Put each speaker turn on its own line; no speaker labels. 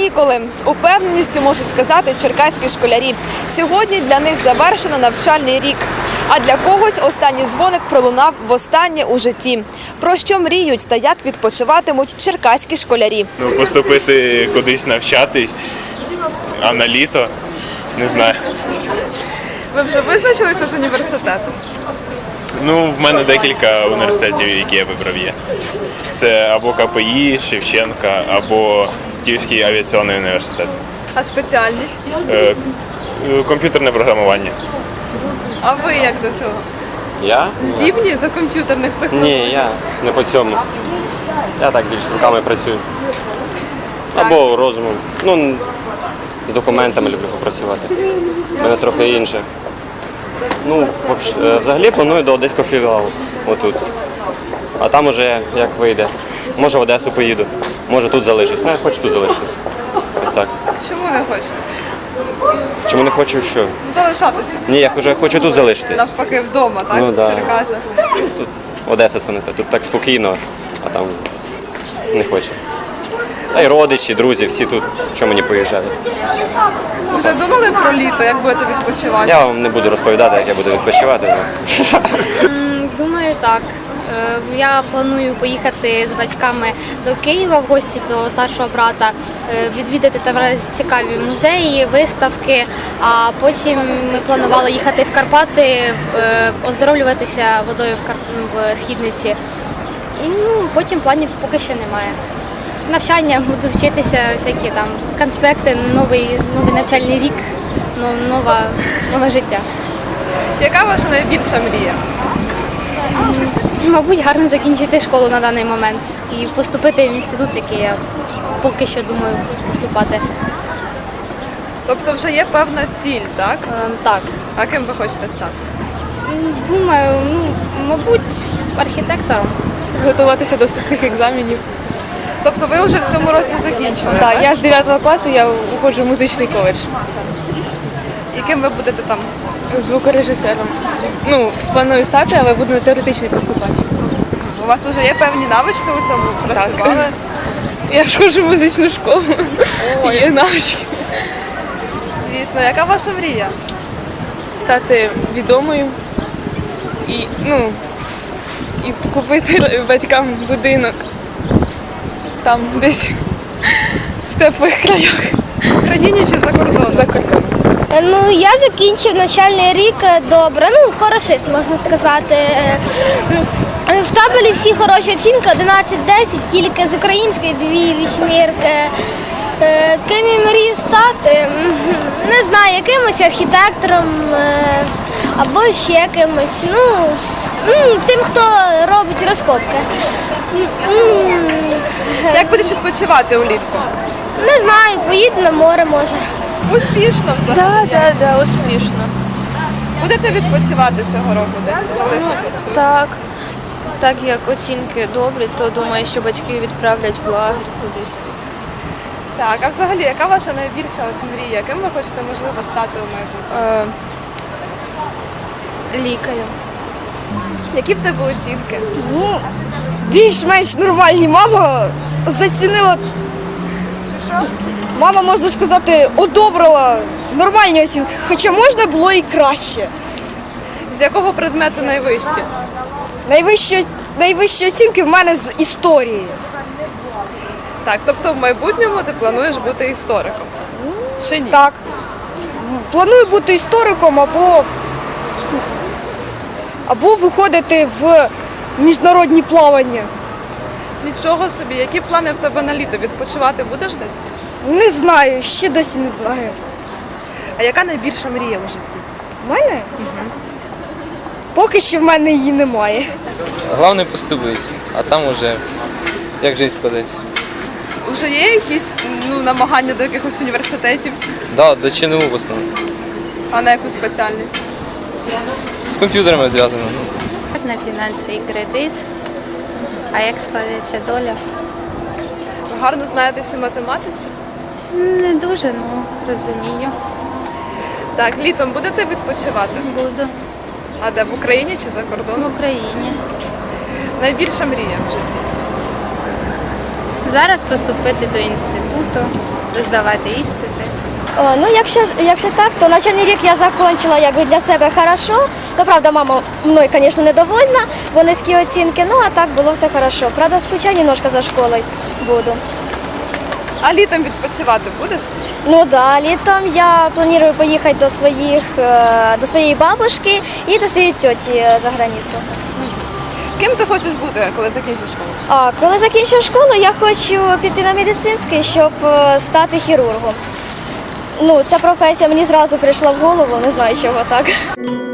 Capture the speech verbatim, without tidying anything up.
канікули. З упевненістю можу сказати черкаські школярі. Сьогодні для них завершено навчальний рік. А для когось останній дзвоник пролунав востаннє у житті. Про що мріють та як відпочиватимуть черкаські школярі?
Ну, поступити кудись навчатись, а на літо, не знаю.
Ви вже визначилися з університетом?
Ну, в мене декілька університетів, які я вибрав є. Це або ка пе і, Шевченка, або Київський авіаційний університет.
А спеціальність?
Е, комп'ютерне програмування.
А ви як до цього?
Я?
Здібні до комп'ютерних технологій?
Ні, я не по цьому. Я так більш руками працюю. Або розумом. Ну, з документами люблю попрацювати. У мене трохи інше. Ну, взагалі планую до Одеського філіалу, отут. А там уже як вийде. Може в Одесу поїду, може тут залишусь. Ну, я хочу тут залишитись. Ось так.
Чому не хочете?
Чому не хочу що?
Залишатися.
Ні, я хочу, хочу тут залишитись.
Навпаки, вдома, так?
Ну,
в
да.
Черкасах.
Тут Одеса це не те. Тут так спокійно, а там не хочу. Та й родичі, друзі, всі тут, що мені поїжджати.
Вже думали про літо, як будете відпочивати?
Я вам не буду розповідати, як я буду відпочивати.
Думаю, так. Е, Я планую поїхати з батьками до Києва в гості до старшого брата, е, відвідати там цікаві музеї, виставки, а потім ми планували їхати в Карпати, е, оздоровлюватися водою в, Кар... в Східниці. І ну, потім планів поки що немає. Навчання, буду вчитися, всякі там конспекти, новий, новий навчальний рік, но- нова, нове життя.
Яка ваша найбільша мрія?
Мабуть, гарно закінчити школу на даний момент і поступити в інститут, в який я поки що думаю поступати.
Тобто вже є певна ціль, так?
Е, так,
А ким ви хочете стати?
думаю, ну, мабуть, архітектором.
Готуватися до вступних екзаменів.
Тобто ви вже в цьому році закінчили,
Так, я з дев'ятого класу я уходжу в музичний коледж.
І ким ви будете там?
Звукорежисером. Ну, планую стати, але буду на теоретичний поступати.
У вас вже є певні навички у цьому? Працювали?
Я ж ходжу в музичну школу.
Ой.
Є навички.
Звісно. Яка ваша мрія?
Стати відомою і, ну, і купити батькам будинок там десь в теплих краях.
В країні чи за кордоном?
За кордоном.
Ну, я закінчив навчальний рік добре, ну, хорошист, можна сказати. В табелі всі хороші оцінки, одинадцять десять, тільки з української дві вісьмірки. Е, Ким я мрію стати? Не знаю, якимось архітектором е, або ще кимось. Ну, с- м, тим, хто робить розкопки. М,
Як будеш відпочивати улітку?
Не знаю, поїду на море, може.
Успішно взагалі.
Так, так, так, успішно.
Будете відпочивати цього року десь чи залишитесь?
Так, так як оцінки добрі, то думаю, що батьки відправлять в лагерь кудись.
Так, а взагалі, яка ваша найбільша от мрія? Ким ви хочете, можливо, стати у майбутньому?
Е, лікарем.
Які в тебе оцінки?
Ну, більш-менш нормальні. Мама зацінила. Мама, можна сказати, одобрила нормальні оцінки, хоча можна було і краще.
З якого предмету найвищі?
Найвищі, найвищі оцінки в мене з історії.
Так, тобто в майбутньому ти плануєш бути істориком? Чи ні?
Так. Планую бути істориком або, або виходити в міжнародні плавання.
Нічого собі. Які плани в тебе на літо? Відпочивати будеш десь?
Не знаю, ще досі не знаю.
А яка найбільша мрія у житті?
У мене? Поки що в мене її немає.
Головне поступити, а там уже як життя складеться.
Вже є якісь ну, намагання до якихось університетів,
Да, до ЧНУ в основному.
а на яку спеціальність?
З комп'ютерами зв'язано.
На фінанси і кредит. А як складеться доля?
Ви гарно знаєтесь у математиці?
Не дуже, ну розумію.
Так, літом будете відпочивати?
Буду
А де, в Україні чи за
в
кордоном?
Україні.
Найбільша мрія в житті?
Зараз поступити до інституту,
здавати іспити.
О, ну, якщо, якщо так, то навчальний рік я закінчила якби для себе хорошо. Ну, правда, мама мною, звісно, недовольна, бо низькі оцінки, ну а так було все хорошо. Правда, скучаю немножко за школою буду.
А літом відпочивати будеш?
Ну да, літом я планую поїхати до своїх, е, до своєї бабушки і до своєї тьоті е, за границю.
Ким ти хочеш бути, коли закінчиш школу?
А коли закінчу школу, я хочу піти на медицинський, щоб е, стати хірургом. Ну, ця професія мені зразу прийшла в голову, не знаю, чого так.